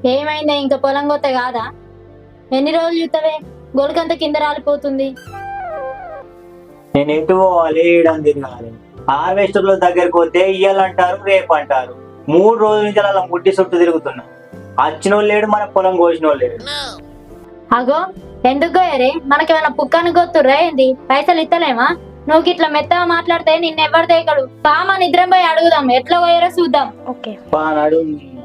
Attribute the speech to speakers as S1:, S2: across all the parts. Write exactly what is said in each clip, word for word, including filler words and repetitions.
S1: ఏమైందే ఇంకా పొలం కొత్త కాదా? ఎన్ని రోజులు చూస్తావే? గొలుకంత కింద రాలిపోతుంది.
S2: నేను ఎటు పోవాలి ఈడని తిరగాలి. హార్వెస్టర్ల దగ్గరికి పోతే ఇయ్యాలంటారు, రేపు అంటారు. మూడు రోజుల నుంచి అలా ముట్టి చుట్టూ తిరుగుతున్నా. వచ్చిన వాళ్ళు లేడు, మన పొలం కోసిన వాళ్ళు లేడు.
S1: అగో ఎందుకు గోయరే? మనకేమైనా పుక్కని గొత్తుర్రా ఏంది? పైసలు ఇస్తలేమా? నువ్వు ఇట్లా మెత్తగా మాట్లాడితే నిన్నెవ్వరు దేకడు. పామా నిద్రం పోయి అడుగుదాం, ఎట్లా పోయారో చూద్దాం. ఓకే
S2: పానాడు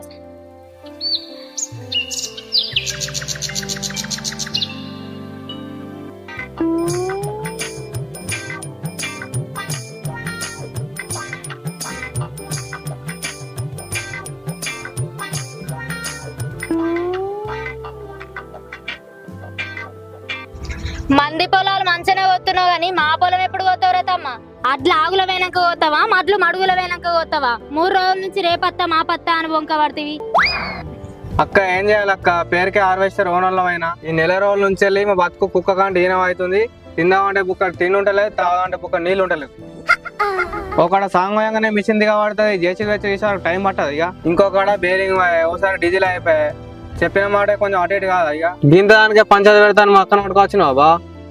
S1: మంది పొలాలు మంచిగానే పోతున్నావు గానీ మా పొలం ఎప్పుడు పోతావురా తమ్మ? అడ్లు ఆగుల వెనక పోతావా, మడ్లు మడుగుల వెనక పోతావా? మూడు రోజుల నుంచి రేపత్తా మా పత్తా అని బొంక పడుతుంది.
S3: అక్క ఏం చేయాలి అక్క? పేరుకే హార్వెస్టర్ ఓనర్లమైనా ఈ నెల రోజుల నుంచి వెళ్ళి మా బతుకు కుక్క కాంటి ఈనం అవుతుంది. తిందామంటే బుక్క తిండి ఉంటలేదు, తాగాలంటే బుక్క నీళ్ళు ఉంటలేదు. ఒకడ సాంగోయంగానే మిషన్ దిగా పడుతుంది, జేసీ వచ్చి తీసారు టైం పట్టదు. ఇక ఇంకొకడ బేరింగ్ ఒకసారి డీజిల్ అయిపోయాయి. చెప్పిన మాట కొంచెం అటు ఇటు కాదు. ఇక దీంతో దానికే పంచాయతీ పెడతాను మా అక్కన పట్టుకొచ్చినావా బా?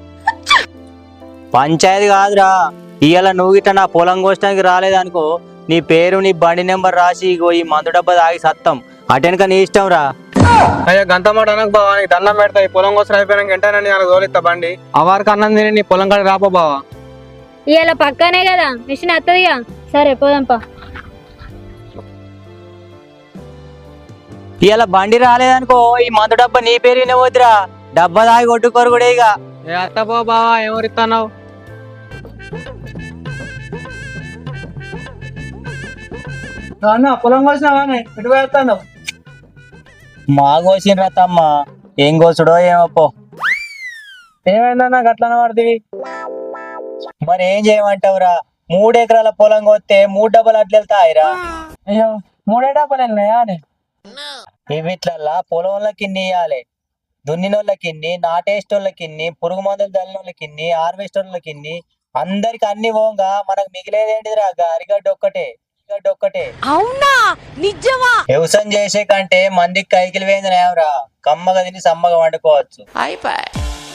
S2: పంచాయతీ కాదురా, ఇవాళ నువ్వు ఇట్లా నా పొలం కోసడానికి రాలేదనుకో, నీ పేరు నీ బండి నెంబర్ రాసి ఇగో ఈ మందు డబ్బా తాగి సత్తం. అటెనక నీ ఇష్టం రా.
S3: అయ్యా గంత మాట అనకు బావా, నీకు దండం పెడతా. ఈ పొలం కోసం అయిపోయినాక వెంటనే నేను తోలిస్తా బండి. అవారికి అన్నం తిని నీ పొలం కాడ రాపో బావా.
S1: ఇవాళ పక్కనే కదా మిషన్ వస్తుందిగా. సరే పోదాంపా.
S2: ఇవాళ బండి రాలేదనుకో, ఈ మందు డబ్బా నీ పేరునే పోతురా. డబ్బా తాగి కొట్టుకోరు కూడా. ఇక
S3: ఏ అత్త పో బావా, ఎవరిస్తున్నావు? పొలం కోసినావా? ఎటు వెళ్తాను?
S2: మా కోసిన తమ్మ, ఏం కోసుడో ఏమో.
S3: ఏమైందన్నా గట్లన పడుతుంది?
S2: మరి ఏం చేయమంటావురా? మూడు ఎకరాల పొలం కొత్తే మూడు డబ్బులు అట్లా వెళ్తాయిరా.
S3: అయ్యో మూడే డబ్బులు వెళ్ళినాయా?
S2: ఇవిట్లల్లా పొలంలోకి ఇన్ని ఇయ్యాలి, దున్నినోళ్ళకి ఇన్ని, నాటేసేటోళ్ళకి ఇన్ని, పురుగు మందులు చల్లినోళ్ళకి ఇన్ని, హార్వెస్టర్లకి ఇన్ని, అందరికి అన్ని పోగా మనకు మిగిలేదేంటిదిరా? అరిగడ్డ ఒక్కటే, అరిగడ్డ ఒక్కటే.
S4: అవునా నిజమా?
S2: వ్యవసాయం చేసే కంటే మందికి కైకిలు వేందిరా. కమ్మగా తిని సమ్మగా వండుకోవచ్చు.
S4: అయిపోయి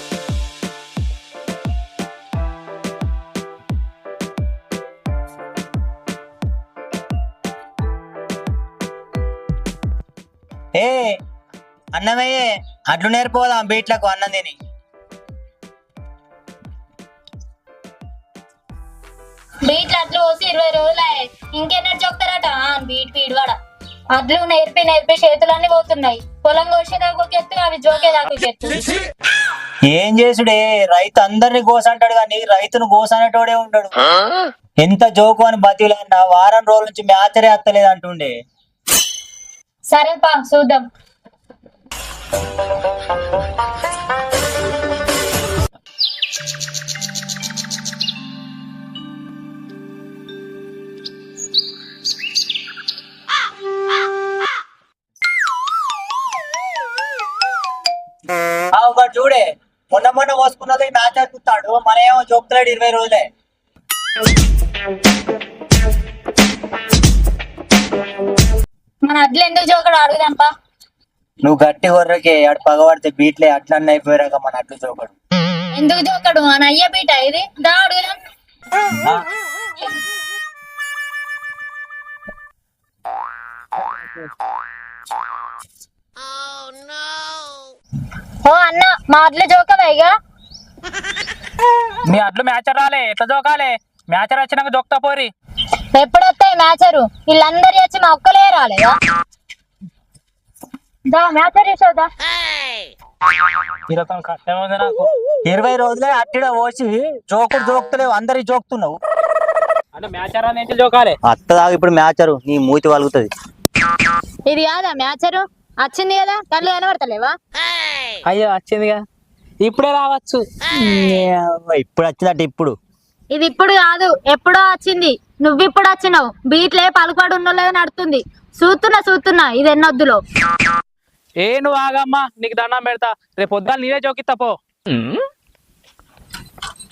S2: ఏ అన్నమయ్యే, అట్లు నేర్పోదాం బీట్లకు అన్నం తిని.
S1: బీట్లు అట్లు పోసి ఇరవై రోజులు ఇంకెన్నటి చెప్తారట బీట్ పీడివాడ. అడ్లు నేర్పి నేర్పి చేతులన్నీ పోతున్నాయి. పొలం కోసేదాకు ఎత్తు, అవి జోకేదాకు ఎత్తు.
S2: ఏం చేసుడే, రైతు అందరిని కోసంటాడు కానీ రైతును కోసనేటోడే ఉంటాడు. ఎంత జోకు అని బతిలన్నా వారం రోజుల నుంచి మ్యాచరే అత్తలేదు అంటుండే.
S1: సరే పా చూద్దాం.
S2: ఒకటి చూడే, మొన్న మొన్న పోసుకున్నది మ్యాచ్ ఆడుతాడు, మన ఏమో జోకుతాడు ఇరవై రోజులే.
S1: మన అడ్లు ఎందుకు జోకడు అడుగుదాంపా.
S2: నువ్వు గట్టి కొర్రకే అటు పగబడితే బీట్లే అట్లన్నీ అయిపోయాక మన అట్లు జోకడు.
S1: ఎందుకు జోకడు? అని అయ్య బీట ఇది, దా అడుగుదాం. ఓ అన్న, మా అడ్లు జోకవేగా?
S5: మీ అట్లు మ్యాచర్ రాలే, ఎట్లా జోకాలే? మ్యాచర్ వచ్చినాక జోక్తా పోరి.
S1: ఎప్పుడు వస్తాయి మ్యాచరు? వీళ్ళందరి వచ్చి మా ఒక్కలే రాలేదా? దా మ్యాచర్ చూసా.
S5: ఈ రకం కష్టమైంది నాకు.
S2: ఇరవై రోజులే అట్టిడ పోసి జోకుడు జోకుతలేవు, అందరికి జోకుతున్నావు.
S5: అంటే మ్యాచర్ అని ఏంటి జోకాలే?
S2: అత్త దాకా ఇప్పుడు మ్యాచరు నీ మూతి వలుగుతుంది.
S1: ఇది కాదా మ్యాచరు? వచ్చింది కదా, కళ్ళు కనబడతలేవా?
S5: అయ్యో వచ్చిందిగా, ఇప్పుడే రావచ్చు.
S2: ఇప్పుడు వచ్చినట్టు ఇప్పుడు
S1: ఇది ఇప్పుడు కాదు, ఎప్పుడో వచ్చింది. నువ్వు ఇప్పుడు వచ్చినావు. బీట్లే పలుకుబడి ఉన్నోళ్ళగా నడుతుంది. చూస్తున్నా చూస్తున్నా ఇది ఎన్నొద్దులో.
S5: ఏ నువ్వు ఆగమ్మా, నీకు దండం పెడతా. రేపు పొద్దున్న నీరే జోకిస్తా పో.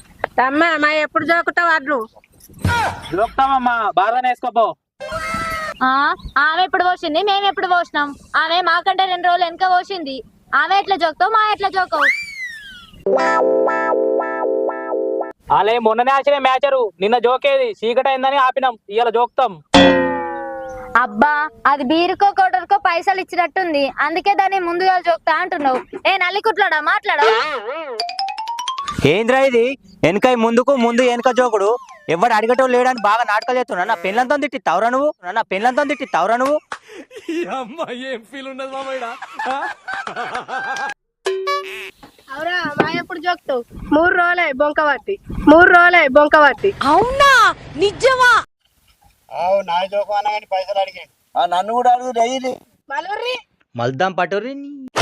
S4: తమ్మ మా ఎప్పుడు జోకుతావు అడ్లు?
S5: జోక్తామమ్మా, బాగానే వేసుకోపో.
S1: ఆ ఆమె ఎప్పుడు పోసింది మేము ఎప్పుడు పోసినాం ఆమె మాకంటే రెండు రోజులు వెనక పోసింది ఆమె ఎట్లా జోక్తావు మా ఎట్లా జోకవు
S5: అలే మొన్ననే ఆచిన మ్యాచరు నిన్న జోకేది చీకటి అయిందని ఆపినాం ఇవాళ జోక్తాం
S1: అబ్బా అది బీరుకో కోటర్కో పైసలు ఇచ్చినట్టుంది అందుకే దాన్ని ముందుగా జోక్తా అంటున్నావు ఏ నల్లికుట్లాడా మాట్లాడు
S2: ఏంద్రా ఇది వెనక ముందుకు ముందు వెనక జోకుడు ఎవడు అడిగటం లేడని బాగా నాటకాలు చేస్తున్నా నా పెళ్ళంతా తిట్టి తవరా నువ్వు నా పెళ్ళంతా తిట్టి తవరా నువ్వు
S6: అవురా మా ఎప్పుడు జోక్తావు మూడు రోజులే బొంకబట్టి మూడు రోజులే బొంకబట్టి
S4: అవునా నిజమా
S2: నన్ను కూడా అడుగు డైలీ
S6: మలూరి
S2: మల్దాం పటోరి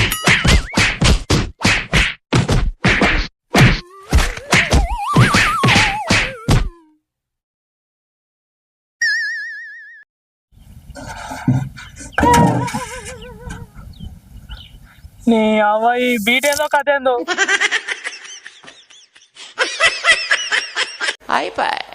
S5: నీ అవ్వ ఈ బీట్ ఏందో కథ ఏందో
S4: అయిపోయి